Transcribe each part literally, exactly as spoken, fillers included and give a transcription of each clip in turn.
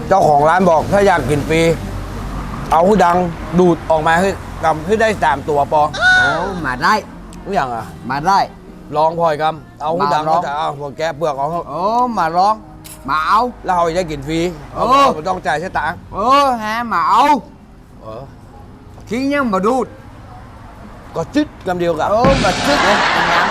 เจ้าของร้านบอกถ้าอยากกินฟรีเอาหูดังดูดออกมาให้กำให้ได้สามตัวปอโอ้มาได้ทุกอย่างอ่ะมาได้ลองพอยกำเอาหูดังมาลองแต่เอาพวกแกะเปลือกเอาโอ้มาร้องมาเอาแล้วเราจะได้กินฟรีเออไม่ต้องจ่ายใช้ตังค์เออฮะมาเอาเออทิ้งยังมาดูดก็จึ๊ดกำเดียวกับเออมาซึกเลยอย่างนั้น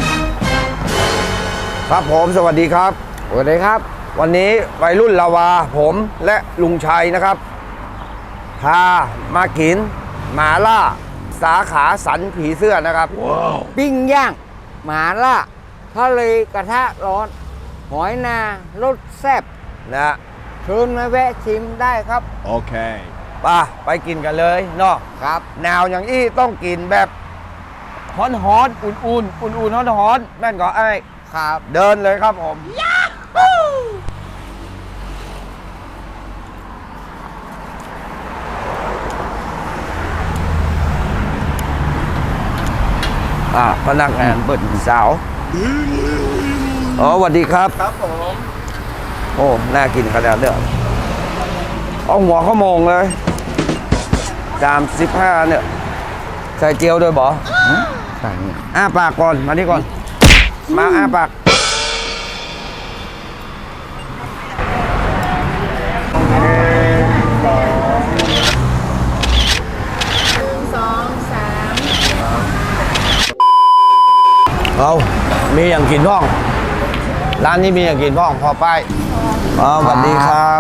นะครับผมสวัสดีครับสวัสดีครับวันนี้วัยรุ่นลาวาผมและลุงชัยนะครับพามากินหมาล่าสาขาสันผีเสื้อนะครับปิ้งย่างหมาล่าทะเลกระทะร้อน หอยนารสแซ่บนะฮะเชิญมาแวะชิมได้ครับ Okay. ไป่ะไปกินกันเลยเนาะครับหนาวอย่างอี้ต้องกินแบบฮ้อนฮ้อนๆอุ่นๆอุ่นๆฮ้อนฮ้อนๆแม่นก็ไอ้ครับเดินเลยครับผมอ่ะพนักงานเปิดสาวอ๋อสวัสดีครับครับผมโอ้น่ากินขนาดเนี้ยเอาหัวข้าวโมงเลยสามสิบห้าเนี่ย ใส่เจียวด้วยบอใช่เนี่ยอ้าปากก่อน มานี่ก่อน มาอ้าปากสองสามเอามีอย่างกินพ่อง ร้านนี้มีอย่างกินพ่อง พอไปอ๋อสวัสดีครับ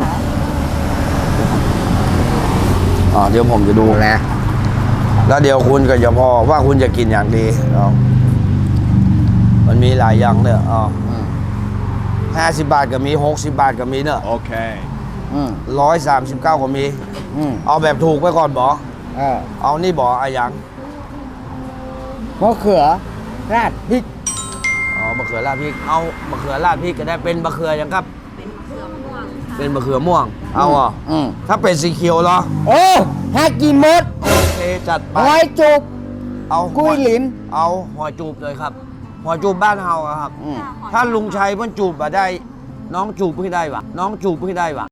อ๋อเดี๋ยวผมจะดูแหละแล้วเดี๋ยวคุณก็จะพอว่าคุณจะกินอย่างดีเอามันมีหลายอย่างเนี่ยอ๋ออืมห้าสิบบาทก็มีหกสิบบาทก็มีเนอะ Okay. อืมร้อยสามสิบเก้าก็มีอืมเอาแบบถูกไปก่อนบอเออเอานี่บออะยังมะเขือราดพริกอ๋อมะเขือราดพริก เอามะเขือราดพริกก็ได้เป็นมะเขือยังครับ เป็นมะเขือม่วง เอาอ่ะอืมถ้าเป็นสีเขียวเหรอโอ้ให้กินหมดโอเคจัดไปหอยจุกเอากุ้ยหลินเอาหอยจูบเลยครับหอยจูบบ้านเฮาอะครับอืมถ้าลุงชัยเพิ่นจูบมาได้ น้องจูบเพิ่งได้วะน้องจูบเพิ่งได้วะ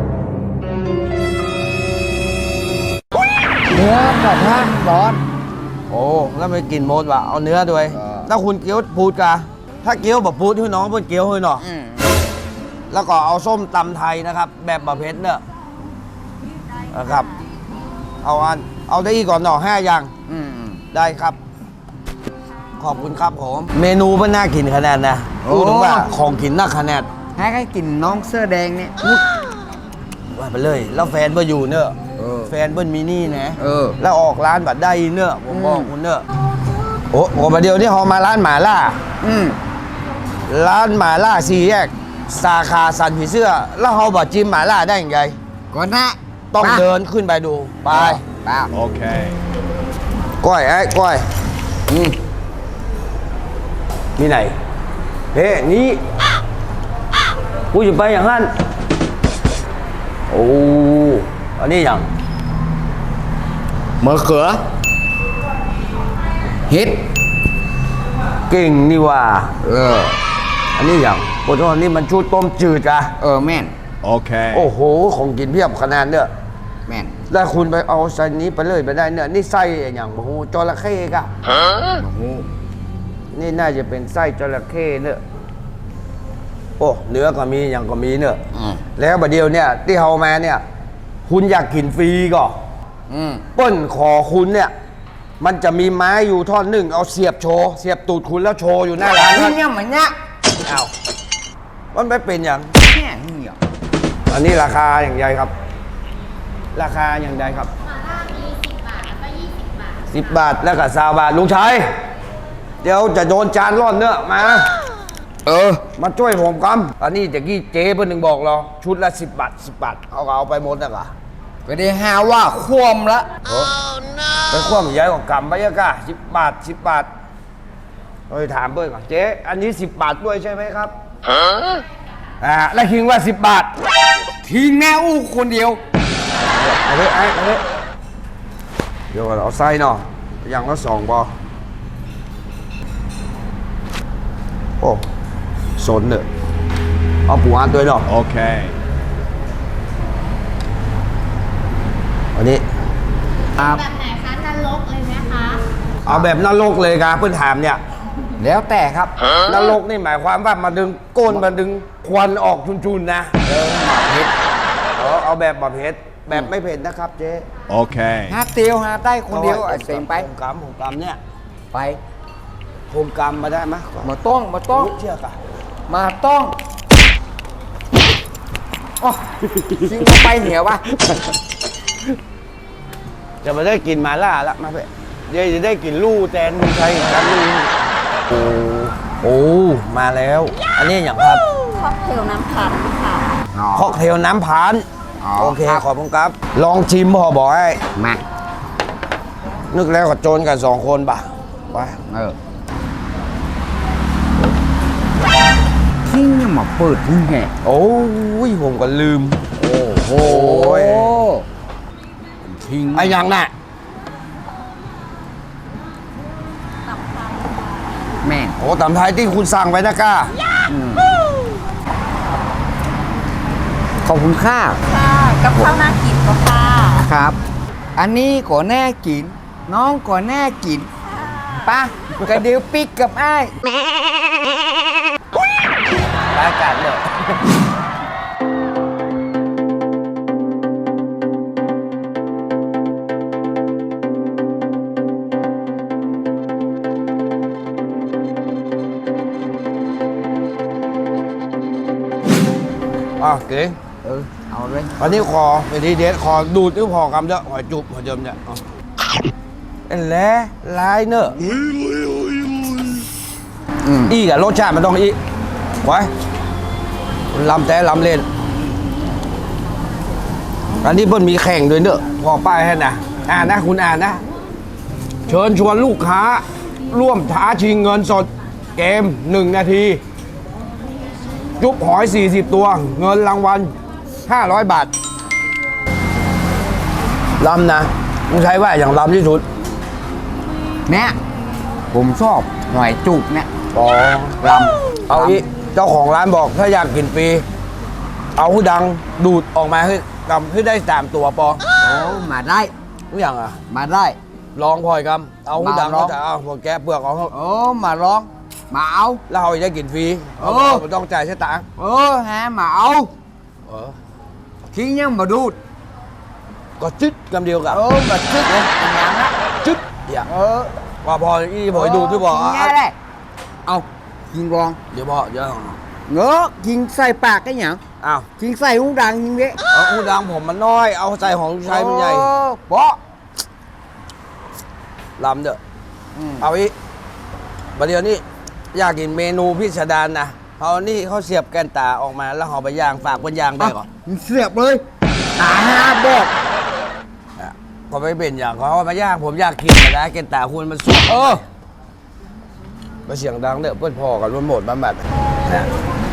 เนื้อกระทะร้อนโอ้แล้วไม่กินโมดวะเอาเนื้อด้วยเออถ้าคุณเกี๊ยวพูดกะถ้าเกี๊ยวแบบพูดให้น้องเพิ่นเกี๊ยวให้หน่ออืมแล้วก็เอาส้มตำไทยนะครับ แบบบะเพ็ดเนี่ยนะครับ เอาอันเอาได้อีกก่อนหน่อห้าอย่างอืมได้ครับ ขอบคุณครับผม เมนูมันน่ากินขนาดนะโอ้พูดถึงว่าของกินน่าขนาดให้ให้กินน้องเสื้อแดงเนี่ยว่าไปเลย แล้วแฟนเบิ้อยู่เนอะเออแฟนเบิ้มีนี่นะเออแล้วออกร้านบัดได้เนอะผมบอกอืมคุณเนอะโอ้โหประเดี๋ยวนี้เขามาร้านหมาล่าอืมร้านหมาล่าสี่แยก สาขาสันผีเสื้อ แล้วเขาบอกจิ้มหมาล่าได้ยังไงก่อนนะต้องไปเดินขึ้นไปดู ไปไป Okay. ก้อยไอ้ก้อยอืมมีไหน เฮ้นี่กูจะไปอย่างนั้น โอ้ อันนี้อย่างมะเขือเห็ดเก่งนี่ว่าเอออันนี้อย่างโอ้โหอันนี้มันชูต้มจืดอะเออแม่น Okay. โอ้โห ของกินเพียบขนาดเนี่ยแม่นแล้วคุณไปเอาไส้นี้ไปเลยไปได้เนี่ย นี่ไส้อย่างโอ้โหจระเข้กะโอ้โหนี่น่าจะเป็นไส้จระเข้เนี่ยโอ้เนื้อก็มีอย่างก็มีเนี่ยอืมแล้วบัดเดียวเนี่ยที่เฮามาเนี่ย คุณอยากกินฟรีก็อืมเปิ้นขอคุณเนี่ย มันจะมีไม้อยู่ท่อนหนึ่งเอาเสียบโชว์เสียบตูดคุณแล้วโชว์อยู่หน้าร้านนี่นั้นเนี่ยเหมือนเนี่ยอ้าวมันไม่เป็นอย่างเนี่ยนี่เหรออันนี้ราคาอย่างไรครับ ราคาอย่างไรครับหม่าล่ามีสิบบาท แล้วก็ยี่สิบบาทสิบบาทแล้วก็สามบาทลุงชัยเดี๋ยวจะโดนจานร่อนเนื้อะมาเออมาช่วยผมกำอันนี้ตะกี้เจ๊เพิ่นหนึ่งบอกเราชุดละสิบบาทสิบบาทเอาก็เอาไปหมดนะกะก็ได้หาว่าคว่ำละไปคว่ำใหญ่กว่ากำไปยังกะสิบบาทสิบบาทเฮ้ยถามเพิ่นก่อนเจ๊อันนี้สิบบาทด้วยใช่ไหมครับอ่าแล้วคิงว่าสิบบาททิ้งแม่อู้คนเดียวเอาเลยไอ้เอาเลยเดี๋ยวก่อนเอาไส้เนาะอย่างละสองบอโอ้สนเนอะเอาปูอัดด้วยเนาะ Okay. วันนี้ครับแบบไหนคะนรกเลยไหมคะเอาแบบนรกเลยครับเพื่อนถามเนี่ยแล้วแต่ครับนรกนี่หมายความว่ามาดึงก้นมาดึงควันออกชุนๆนะเออหมักเผ็ดเอาเอาแบบแบบเผ็ดแบบไม่เผ็ดนะครับเจ๊ Okay. หาเตียวหาได้คนเดียวไอ้เต็งไปผมกำผมกำเนี่ยไปผมกำมาได้ไหมมาต้องมาต้องเชื่อกะมาต้องอ๋อชิงมาไปเหนียววะจะมาได้กินมาล่าละมาเพื่อนเดี๋ยวจะได้กินลู่แตนมึงใช้กันลู่โอ้โอ้มาแล้ว อันนี้อย่างครับค็อกเทลน้ำผัดค่ะค็อกเทลน้ำผานอ๋อโอเคขอบคุณครับ ลองชิมพอบอกให้มานึกแล้วก็โจรกันสองคนป่ะไปเออทิ้งยังมาเปิดทิ้งแห่โอ้ยผมก็ลืม โอ้โหทิ้งไอ้ยังน่ะแม่งโอ้ตำไทยที่คุณสั่งไว้นะก้าขอบคุณค่าค่ะกับข้าวน่ากินก็ค่ะครับ อันนี้ก็แน่กิน น้องก็แน่กินป่ะกระเดียวปิกกับไอ้ายรายการเลยอ่ะเก๋เออ เอาเลยอันนี้คอเป็นทีเด็ดคอดูดนิ้วพอกำเด้อหอยจุบหอยเดิมเนี่ยเอาเอ็นแหล้ลายเนอะอืมอีกับรสชาติมันต้องอีไว้ลำแต่ลำเล่น อันนี้เพิ่นมีแข่งด้วยเนอะพอป้ายให้นะอ่านนะคุณอ่านนะ เชิญชวนลูกค้า ร่วมท้าชิงเงินสดเกมหนึ่งนาที จุบหอย สี่สิบ ตัว เงินรางวัล ห้าร้อย บาทลำนะมึงใช้ว่าอย่างลำที่สุดเนี่ยผมชอบหน่อยจุกเนี่ยอ๋อลำเอาอีเจ้าของร้านบอกถ้าอยากกินฟรีเอาหูดังดูดออกมาให้กำให้ได้สามตัวปอโอ้มาได้ทุกอย่างอ่ะมาได้ลองพลอยกำเอาหูดังมาลองเขาจะเอาพวกแกะเปลือกเอาเขาโอ้มาลอง มาเอาแล้วเราจะกินฟรีเออเอาไม่ต้องจ่ายใช้ตังค์เออฮะมาเอาเออทิ้งยังมาดูดก็จึ๊ดกำเดียวกับเออมาซึกเลยเป็นยังนะจึ๊ดอย่างเออว่าพออีพอยดูที่บอกกินอ่ะแง่ได้เอากินรองเดี๋ยวพอเดี๋ยวเงอะกินใส่ปากกันหยังอ้าวกินใส่หูดังยิงเด้เอาหูดังผมมันน้อยเอาใส่ของลูกชายมันใหญ่โอ้เบาะลำเด้ออืมเอาอีประเดี๋ยวนี้อยากกินเมนูพิสดารนะเอานี่เขาเสียบแกนตาออกมาแล้วห่อใบยางฝากบนยางได้ก่อนมึงเสียบเลยตาห้าบอกอ่ะก็ไม่เป็นอย่างเขาเอามาย่างผมอยากกินแต่นะแกนตาคุณมันสุกเออมาเสียงดังเด้อเพื่อนพ่อกันรุ่นหมดบ้านบัดนะ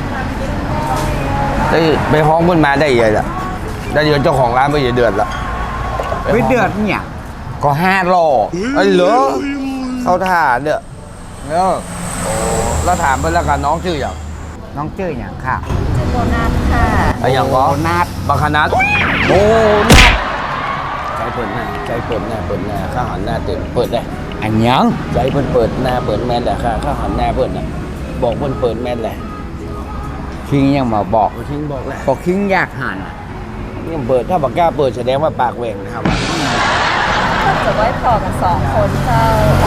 ได้ไปห้องเพื่อนมาได้ยังไงล่ะได้เดี๋ยวเจ้าของร้านไม่เดือดละไม่เดือดเนี่ยก็ห้าหล่อไอ้เหรอเขาท่าเด้อเออแล้วถามเพื่อนแล้วกันน้องชื่ออย่างน้องเจ้ยอย่างค่ะชื่อโบนัสค่ะไอ้อย่างก็โบนัสบังคนัดโอ้นัดใจเปิดหน้าใจเปิดหน้าเปิดหน้าข้าหันหน้าเต็มเปิดได้อันยังใจเปิดเปิดหน้าเปิดแมนแต่ข้าข้าหันหน้าเปิดน่ะบอกเปิดเปิดแมนแหละคิงยังมาบอกทิ้งบอกแหละบอกคิงอยากหันนี่เปิดถ้าบอกกล้าเปิดแสดงว่าปากแหว่งนะครับถ้าเกิดไว้พอกันสองคนเจ้า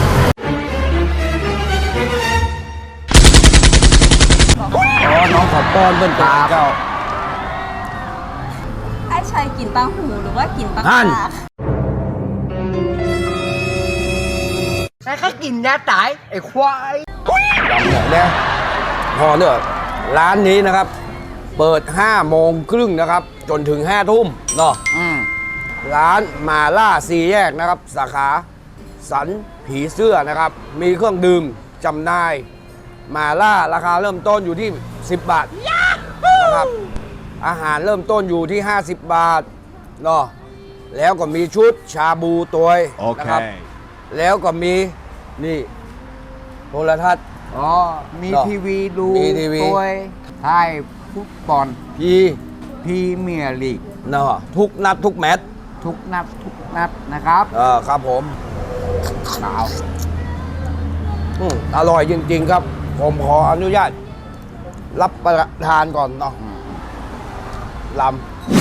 อ๋อน้องขอป้อนเปิ้นเป็นเจ้าไอ้ชายกินปังหูหรือว่ากินปังหั่นปลาแต่ก็กินยาตายไอ้ควายลำเนี่ยเนี่ยพอเนอะร้านนี้นะครับ เปิดห้าโมงครึ่งนะครับ จนถึงห้าทุ่มเนาะอืมร้านมาล่าสี่แยกนะครับ สาขาสันผีเสื้อนะครับ มีเครื่องดื่มจำหน่าย มาล่าราคาเริ่มต้นอยู่ที่ สิบบาทนะครับ อาหารเริ่มต้นอยู่ที่ ห้าสิบบาทเนาะแล้วก็มีชุดชาบูตัวนะครับ Okay. แล้วก็มีนี่โทรทัศน์อ๋อ มีเนอะทีวีดูมีทีวีตัวไทยฟุตบอลพีพรีเมียร์ลีกเนาะทุกนัดทุกแมตช์ทุกนัดทุกนัดนะครับเออครับผมเอาอืมอร่อยจริง ๆ ครับ ผมขออนุญาต รับประทานก่อนเนาะลำ